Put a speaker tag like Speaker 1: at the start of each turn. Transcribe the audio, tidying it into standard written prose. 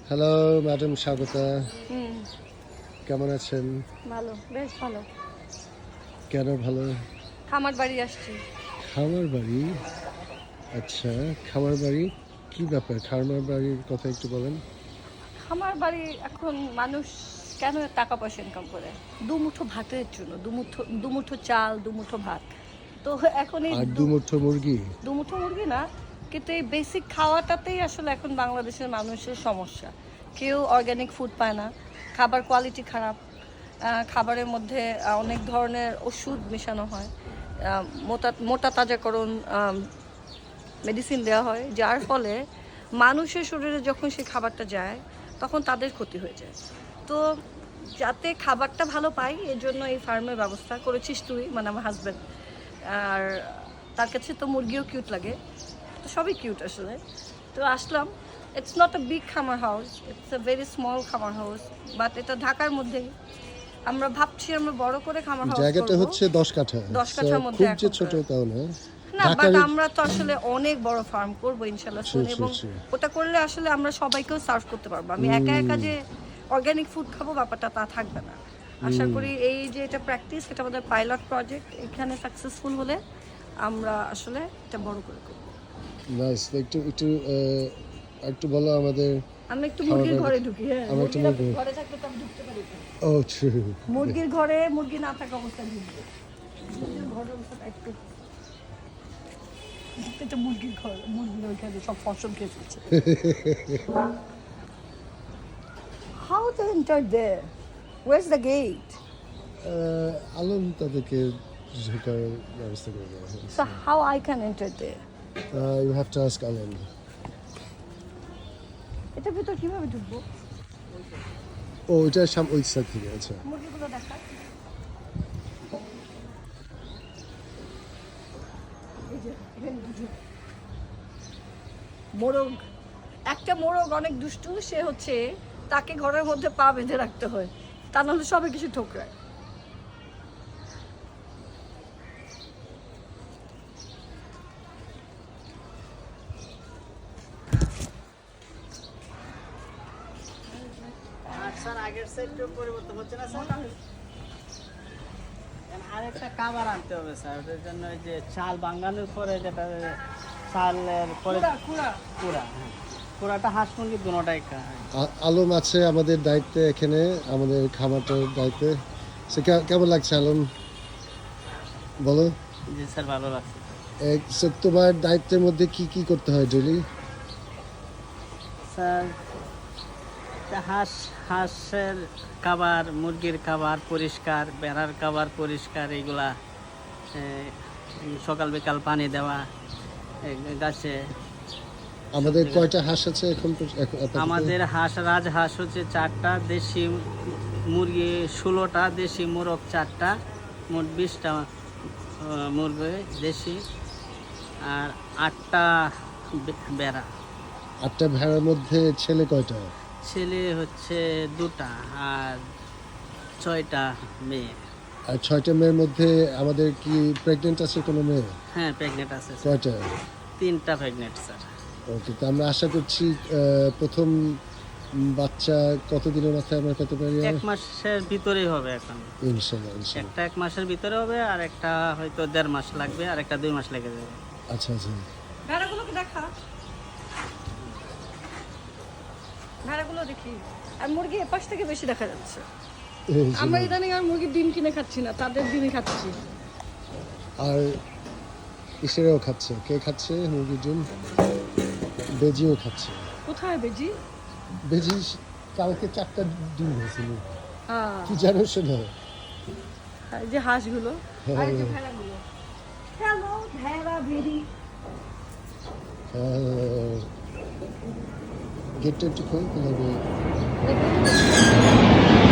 Speaker 1: Hello madam Swagata,
Speaker 2: হুম,
Speaker 1: কেমন আছেন?
Speaker 2: ভালো, বেশ ভালো।
Speaker 1: কেন ভালো?
Speaker 2: খামার বাড়ি আসছি।
Speaker 1: খামার বাড়ি? আচ্ছা, খামার বাড়ি কি ব্যাপার? খামার বাড়ির কথা একটু বলেন।
Speaker 2: খামার বাড়ি এখন মানুষ কেন টাকা পয়সা ইনকাম করে? দুমুঠো ভাতের জন্য, দুমুঠো চাল, দুমুঠো ভাত। তো এখন এই
Speaker 1: আর দুমুঠো মুরগি?
Speaker 2: দুমুঠো মুরগি না, কিন্তু এই বেসিক খাওয়াটাতেই আসলে এখন বাংলাদেশের মানুষের সমস্যা। কেউ অর্গ্যানিক ফুড পায় না, খাবার কোয়ালিটি খারাপ, খাবারের মধ্যে অনেক ধরনের ওষুধ মেশানো হয়, মোটা তাজাকরণ মেডিসিন দেওয়া হয়, যার ফলে মানুষের শরীরে যখন সেই খাবারটা যায় তখন তাদের ক্ষতি হয়ে যায়। তো যাতে খাবারটা ভালো পাই এর জন্য এই ফার্মের ব্যবস্থা করেছিস তুই, মানে আমার হাজব্যান্ড। আর তার কাছে তো মুরগিও কিউট লাগে, তো সবই কিউট আসলে। তো আসলাম। ইটস নট আ বিগ খামার house, it's a very small খামার হাউস, বাট এটা ঢাকার মধ্যেই। আমরা ভাবছি আমরা বড় করে খামার হাউস
Speaker 1: জায়গাটা
Speaker 2: করব।
Speaker 1: হচ্ছে 10 কাঠা।
Speaker 2: 10 কাঠার মধ্যে
Speaker 1: খুব যে
Speaker 2: এখন
Speaker 1: ছোট তাও না।
Speaker 2: না, বাট
Speaker 1: ঢাকার
Speaker 2: আমরা তো আসলে অনেক বড় ফার্ম করবো ইনশাল্লাহ
Speaker 1: Sure,
Speaker 2: শুন, এবং
Speaker 1: sure.
Speaker 2: ওটা করলে আসলে আমরা সবাইকেও সার্ভ করতে পারবো। আমি একা একা যে অর্গানিক ফুড খাবো ব্যাপারটা তা থাকবে না। আশা করি এই যে এটা প্র্যাকটিস, এটা আমাদের পাইলট প্রজেক্ট, এখানে সাকসেসফুল হলে আমরা আসলে এটা বড় করে করবো।
Speaker 1: নাইস। একটু একটু একটু বলো আমাদের।
Speaker 2: আমি একটু মুরগির ঘরে ঢুকি। হ্যাঁ,
Speaker 1: আমরা একটু
Speaker 2: মুরগিরা
Speaker 1: মুরগি-
Speaker 2: ঘরে থাকলে তো আমি ঢুকতে পারি না।
Speaker 1: Oh true.
Speaker 2: মুরগির ঘরে মুরগি না থাকা অবস্থায় ঢুকবে। মুরগির ঘরের অবস্থাটা একটু, এটা মুরগির ঘর, মুরগির ওইখানে সব ফসল খেয়ে ফেলছে। How to enter there? Where's the gate?
Speaker 1: Alam তাদেরকে ঢোকার ব্যবস্থা করে দেওয়া হয়েছে।
Speaker 2: So how I can enter there?
Speaker 1: You have to ask Alam.
Speaker 2: এটা ভিতর কিভাবে ঢুকবো?
Speaker 1: ও ওইটা ওই সাইড থেকে। আচ্ছা,
Speaker 2: মুরগিগুলো দেখা। এই যে এখানে দুটো মোরগ, একটা মোরগ অনেক দুষ্টু, সে হচ্ছে তাকে ঘরের মধ্যে পা বেঁধে রাখতে হয়, তা নাহলে সবাই কিছু ঠোকরায়।
Speaker 3: স্যার আগের সাইডটা পরিবর্তন হচ্ছে না স্যার, আরেকটা খাবার আনতে হবে স্যার। ওটার জন্য ওই যে চাল বাঙ্গানোর পরে যেটা চালের পরে কুড়া, হ্যাঁ কুড়াটা হাঁস মুরগি দুটোটাই খায়।
Speaker 1: আলম আছে আমাদের দায়িত্বে, এখানে আমাদের খামারটার দায়িত্বে। কেমন লাগছে আলম, বলো?
Speaker 3: জি স্যার, ভালো লাগছে
Speaker 1: তোমার দায়িত্বের মধ্যে কি কি করতে হয় ডেলি?
Speaker 3: স্যার। হাঁসের খাবার, মুরগির খাবার পরিষ্কার, বেড়ার খাবার পরিষ্কার, এইগুলা সকাল বিকাল পানি দেওয়া গাছে।
Speaker 1: আমাদের কয়টা হাঁস আছে এখন?
Speaker 3: আমাদের রাজহাঁস হচ্ছে 4টা, দেশি মুরগি 16টা, দেশি মোরগ 4টা, মোট 20টা মুরগি দেশি, আর 8টা বেড়া।
Speaker 1: 8টা ভেড়ার মধ্যে ছেলে কয়টা?
Speaker 3: ছেলে হচ্ছে 2টা আর 6টা মেয়ে।
Speaker 1: আর 6টা মেয়ের মধ্যে আমাদের কি প্রেগনেন্ট আছে কোনো মেয়ে?
Speaker 3: হ্যাঁ, প্রেগনেন্ট আছে স্যার।
Speaker 1: কয়টা?
Speaker 3: 3টা প্রেগনেন্ট স্যার।
Speaker 1: ওকে, তো আমরা আশা করছি প্রথম বাচ্চা কতদিনের মাথায় আমরা পেতে পারি?
Speaker 3: 1 মাসের ভিতরেই হবে এখন।
Speaker 1: ইনশাল্লাহ ইনশাল্লাহ।
Speaker 3: একটা 1 মাসের ভিতরে হবে, আর একটা হয়তো 1.5 মাস লাগবে, আর একটা 2 মাস লেগে যাবে।
Speaker 1: আচ্ছা আচ্ছা।
Speaker 2: ভেড়াগুলোকে দেখা, ভেড়াগুলো দেখি। আর মুরগি এপাশ থেকে বেশি দেখা যাচ্ছে।
Speaker 1: এই যে,
Speaker 2: আমরা ইদানিং আর মুরগির ডিম কিনে খাচ্ছি না, তাদের ডিমই খাচ্ছি।
Speaker 1: আর ইসেরাও খাচ্ছে। কে খাচ্ছে মুরগির ডিম? বেজিও খাচ্ছে।
Speaker 2: কোথায় বেজি?
Speaker 1: বেজি কালকে 4টা ডিম হয়েছিল।
Speaker 2: হ্যাঁ,
Speaker 1: কি জানো শোনো?
Speaker 2: এই যে হাঁসগুলো আর এই যে
Speaker 1: হ্যাঁ।
Speaker 2: ভেড়াগুলো। হ্যালো ভেড়া ভেড়ি।
Speaker 1: গেটটা একটু খোল তাহলে।
Speaker 2: দেখুন।